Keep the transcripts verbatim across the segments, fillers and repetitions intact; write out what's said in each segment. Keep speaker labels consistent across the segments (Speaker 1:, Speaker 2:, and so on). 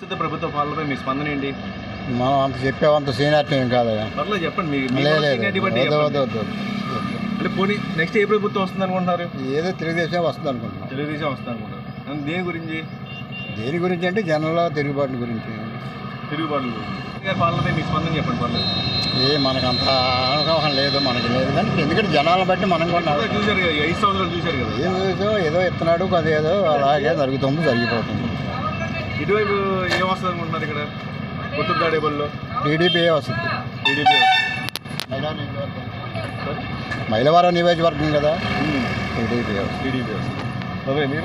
Speaker 1: ప్రస్తుత ప్రభుత్వ పాలనపై మీ స్పందన ఏంటి?
Speaker 2: మనం అంత చెప్పేవంత సీనియారిటీ ఏం కాదు.
Speaker 1: పర్లేదు చెప్పండి. మీ మీ
Speaker 2: లేదు,
Speaker 1: seniority బట్టి
Speaker 2: వద్దు,
Speaker 1: చెప్పండి.
Speaker 2: వద్దు, వద్దు, వద్దు.
Speaker 1: అంటే పోనీ నెక్స్ట్ ఏ ప్రభుత్వం వస్తుంది అనుకుంటున్నారు?
Speaker 2: ఏదో తెలుగుదేశం వస్తుంది అనుకుంటున్నాం.
Speaker 1: తెలుగుదేశం వస్తుంది అనుకుంటారు. అండ్ దేని గురించి?
Speaker 2: దేని గురించి అంటే జనంలో తిరుగుబాటు గురించి.
Speaker 1: తిరుగుబాటు గురించి. గారి పాలనపై మీ స్పందన చెప్పండి. పర్లేదు.
Speaker 2: ఏ మనకు అంత అవగాహన లేదు, మనకి లేదు. కానీ ఎందుకంటే జనాలను బట్టి మనం కూడా
Speaker 1: అదే చూశారు కదా, ఐదు సంవత్సరాలు చూశారు కదా.
Speaker 2: ఏం ఏదో ఏదో ఇస్తున్నాడు, అదేదో అలాగే జరుగుతుంది, జరిగిపోతుంది.
Speaker 1: ఇటువైపు ఏం వస్తుంది అనుకుంటున్నారు? ఇక్కడ కొత్త దాడేబల్లో
Speaker 2: టీడీపీ వస్తుంది.
Speaker 1: టీడీపీ
Speaker 2: మైలవరం నియోజకవర్గం కదా, టీడీపీ
Speaker 1: టీడీపీ వస్తుంది. ఓకే, మీరు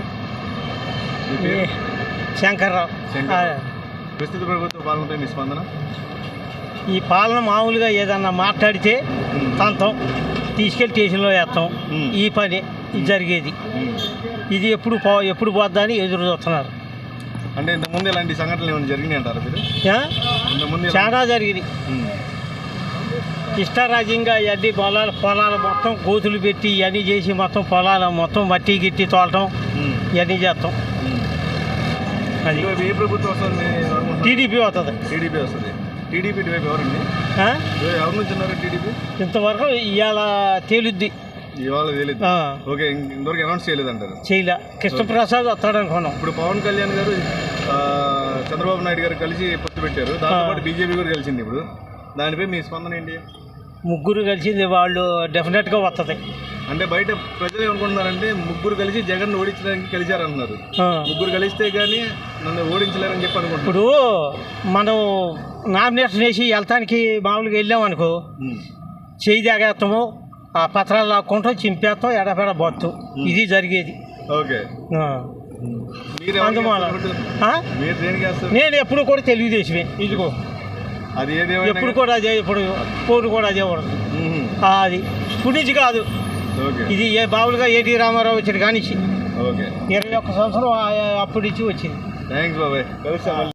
Speaker 3: శంకర్రావు.
Speaker 1: ప్రస్తుత ప్రభుత్వ పాలనపై మీ స్పందన?
Speaker 3: ఈ పాలన మామూలుగా ఏదన్నా మాట్లాడితే తంతం తీసుకెళ్ళి స్టేషన్లో వేస్తాం. ఈ పని ఇది జరిగేది. ఇది ఎప్పుడు పో ఎప్పుడు పోద్దా అని ఎదురు చూస్తున్నారు.
Speaker 1: అంటే ఇంతకుముందు ఇలాంటి సంఘటనలు ఏమైనా జరిగినాయి అంటారా మీరు? ఇంతకుముందు
Speaker 3: చాలా జరిగింది. ఇష్టారాజ్యంగా ఇవన్నీ పొలాలు పొలాలు మొత్తం గోతులు పెట్టి ఇవన్నీ చేసి మొత్తం పొలాలు మొత్తం మట్టి గిట్టి తోలటం ఇవన్నీ చేస్తాం. అది
Speaker 1: ఏ ప్రభుత్వం వస్తుంది?
Speaker 3: టీడీపీ వస్తుంది.
Speaker 1: టీడీపీ వస్తుంది. టీడీపీ ఇటువైపు ఎవరండి? ఎవరి నుంచి ఉన్నారు టీడీపీ?
Speaker 3: ఇంతవరకు ఇవాళ తేలుద్ది.
Speaker 1: ఇవాళ తెలియదు. ఓకే, ఇంతవరకు అనౌన్స్ చేయలేదు అంటారు?
Speaker 3: చేయలే. కృష్ణప్రసాద్ వస్తాడు అనుకున్నాం.
Speaker 1: ఇప్పుడు పవన్ కళ్యాణ్ గారు చంద్రబాబు నాయుడు గారు కలిసి పొత్తు పెట్టారు. దాంతోపాటు బీజేపీ కూడా కలిసింది. ఇప్పుడు దానిపై మీ స్పందన ఏంటి?
Speaker 3: ముగ్గురు కలిసింది వాళ్ళు డెఫినెట్గా వస్తుంది.
Speaker 1: అంటే బయట ప్రజలు ఏమనుకుంటున్నారంటే ముగ్గురు కలిసి జగన్ ఓడించడానికి కలిశారంటున్నారు. ముగ్గురు కలిస్తే కానీ నన్ను ఓడించలేరని చెప్పి అనుకుంటున్నారు.
Speaker 3: ఇప్పుడు మనం నామినేషన్ వేసి వెళ్తానికి మామూలుగా వెళ్ళామనుకో, చేయి తాగేస్తాము, ఆ పత్రాలు లాక్కుంటాం, చింపేస్తాం, ఎడపెడ పోతాం. ఇది జరిగేది.
Speaker 1: ఓకే,
Speaker 3: నేను ఎప్పుడు కూడా తెలుగుదేశమే. ఇదిగో
Speaker 1: అది
Speaker 3: ఎప్పుడు కూడా అదే, ఇప్పుడు పోరు కూడా అదే పడదు. అది ఇప్పుడు నుంచి కాదు, ఇది ఏ మామూలుగా ఏటీ రామారావు వచ్చాడు కానీ ఇరవై ఒక్క సంవత్సరం అప్పటి నుంచి వచ్చింది.
Speaker 1: థ్యాంక్స్ బాబాయ్.